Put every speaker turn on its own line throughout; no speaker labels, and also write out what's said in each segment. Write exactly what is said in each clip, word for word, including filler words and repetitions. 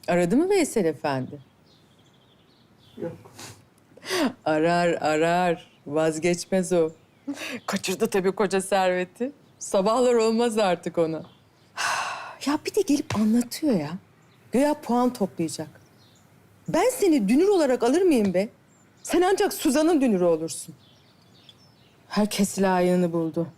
Aradı mı Veysel Efendi?
Yok.
Arar, arar. Vazgeçmez o. Kaçırdı tabii koca serveti. Sabahlar olmaz artık ona. Ya bir de gelip anlatıyor ya. Güya puan toplayacak. Ben seni dünür olarak alır mıyım be? Sen ancak Suzan'ın dünürü olursun. Herkes layığını buldu.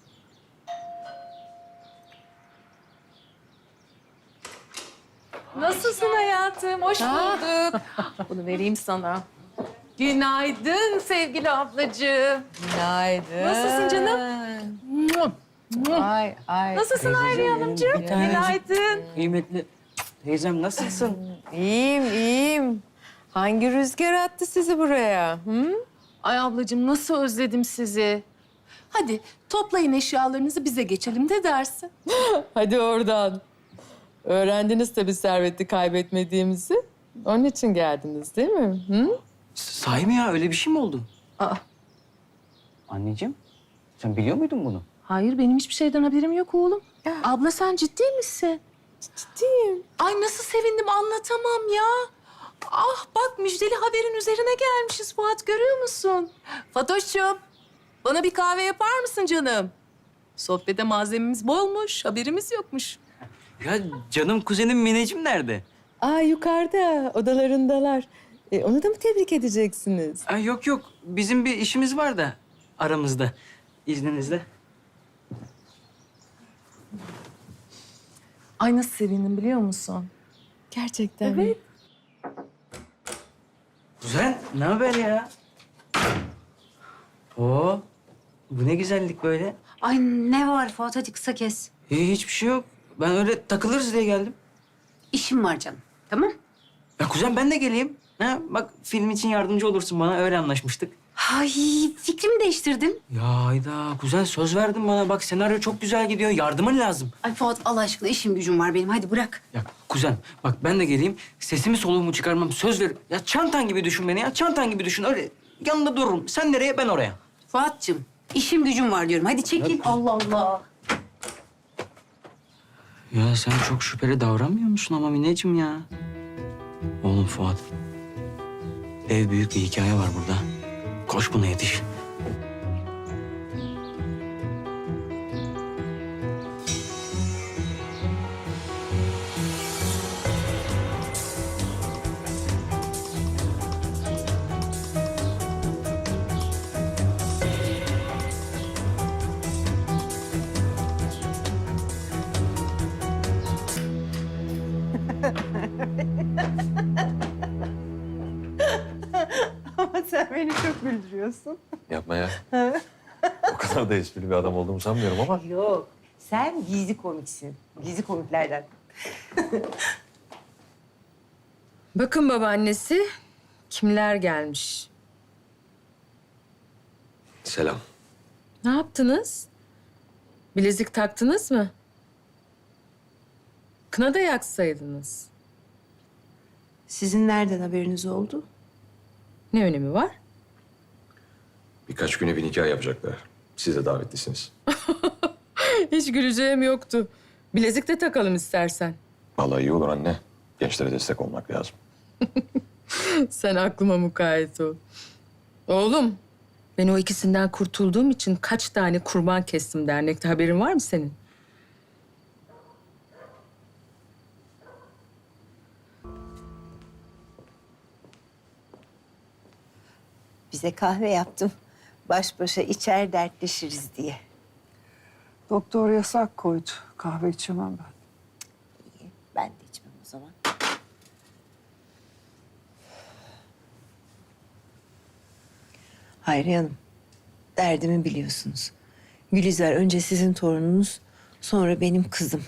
Nasılsın hayatım? Hoş bulduk. Bunu vereyim sana. Günaydın sevgili ablacığım.
Günaydın.
Nasılsın canım?
Ay ay.
Nasılsın Hayriye Hanımcığım? Günaydın.
Kıymetli teyzem nasılsın?
İyiyim, iyiyim. Hangi rüzgar attı sizi buraya? Hı?
Ay ablacığım nasıl özledim sizi. Hadi toplayın eşyalarınızı bize geçelim de dersin.
Hadi oradan. Öğrendiniz tabii serveti kaybetmediğimizi. Onun için geldiniz değil mi? Hı?
Sahi mi ya? Öyle bir şey mi oldu?
Aa,
Anneciğim, sen biliyor muydun bunu?
hayır benim hiçbir şeyden haberim yok oğlum. Abla sen ciddi misin?
Ciddiyim.
Ay nasıl sevindim anlatamam ya. Ah bak müjdeli haberin üzerine gelmişiz Fuat görüyor musun? Fatoş'cum bana bir kahve yapar mısın canım? Sohbete malzememiz bolmuş, haberimiz yokmuş.
Ya canım kuzenim Mineciğim nerede?
Aa yukarıda, odalarındalar. E, onu da mı tebrik edeceksiniz?
Ay yok yok, bizim bir işimiz var da aramızda. İzninizle.
Ay nasıl sevindim biliyor musun?
Gerçekten mi?
Evet.
Kuzen, ne haber ya? Oo, bu ne güzellik böyle.
Ay ne var Fuat, hadi kısa kes.
Hiç, hiçbir şey yok. Ben öyle takılırız diye geldim.
İşim var canım. Tamam?
Ya kuzen ben de geleyim. Ha, bak film için yardımcı olursun bana, öyle anlaşmıştık.
Ay fikrimi değiştirdim.
Ya Hayda, kuzen söz verdin bana. Bak senaryo çok güzel gidiyor, yardımın lazım.
Ay Fuat Allah aşkına işim gücüm var benim. Hadi bırak.
Ya kuzen bak ben de geleyim. Sesimi soluğumu çıkarmam, söz ver. Ya çantan gibi düşün beni ya, çantan gibi düşün. Öyle yanında dururum. Sen nereye, ben oraya.
Fuat'cığım işim gücüm var diyorum. Hadi çekil. Allah Allah.
Ya sen çok şüpheli davranmıyor musun ama Mineciğim ya? Oğlum Fuat. Ev büyük bir hikaye var burada. Koş buna yetiş.
Ama sen beni çok güldürüyorsun.
Yapma ya. O kadar da esprili bir adam olduğumu sanmıyorum ama.
Yok, sen gizli komiksin. Gizli komiklerden.
Bakın babaannesi, kimler gelmiş?
Selam.
Ne yaptınız? Bilezik taktınız mı? Kına da yaksaydınız.
Sizin nereden haberiniz oldu?
Ne önemi var?
Birkaç güne bir nikah yapacaklar. Siz de davetlisiniz.
Hiç güleceğim yoktu. Bilezik de takalım istersen.
Vallahi iyi olur anne. Gençlere destek olmak lazım.
Sen aklıma mukayyet ol. Oğlum, ben o ikisinden kurtulduğum için kaç tane kurban kestim dernekte. Haberin var mı senin?
Bize kahve yaptım. Baş başa içer dertleşiriz diye.
Doktor yasak koydu. Kahve içemem ben.
İyi, ben de içmem o zaman. Hayriye Hanım, derdimi biliyorsunuz. Gülizar önce sizin torununuz, sonra benim kızım.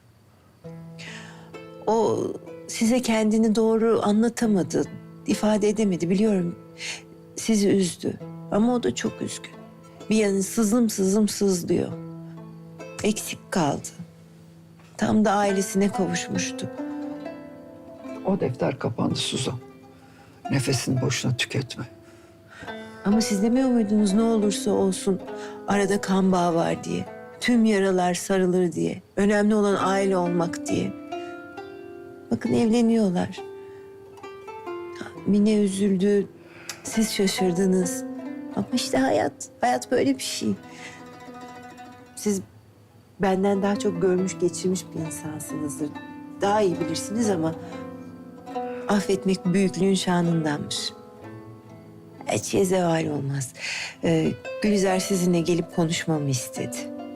O size kendini doğru anlatamadı, ifade edemedi biliyorum. Sizi üzdü ama o da çok üzgün. Bir yanı sızım sızım sızlıyor. Eksik kaldı. Tam da ailesine kavuşmuştu.
O defter kapandı Suzan. Nefesini boşuna tüketme.
Ama siz demiyor muydunuz ne olursa olsun arada kan bağı var diye. Tüm yaralar sarılır diye. Önemli olan aile olmak diye. Bakın evleniyorlar. Mine üzüldü, siz şaşırdınız. Ama işte hayat, hayat böyle bir şey. Siz benden daha çok görmüş, geçirmiş bir insansınızdır. Daha iyi bilirsiniz ama affetmek büyüklüğün şanındanmış. Hiç şeye zeval olmaz. Ee, Gülizar sizinle gelip konuşmamı istedi.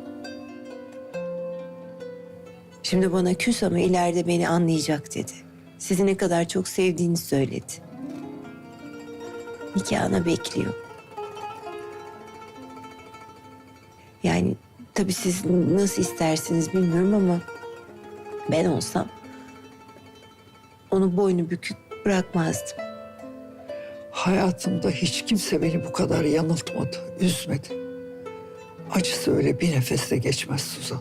Şimdi bana küs ama ileride beni anlayacak dedi. Sizi ne kadar çok sevdiğini söyledi. Nikahına bekliyor. Yani tabii siz nasıl istersiniz bilmiyorum ama ben olsam onu boynu bükük bırakmazdım.
Hayatımda hiç kimse beni bu kadar yanıltmadı, üzmedi. Acısı öyle bir nefeste geçmez Suzan.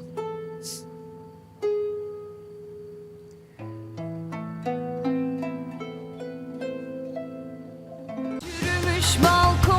Yürümüş balkon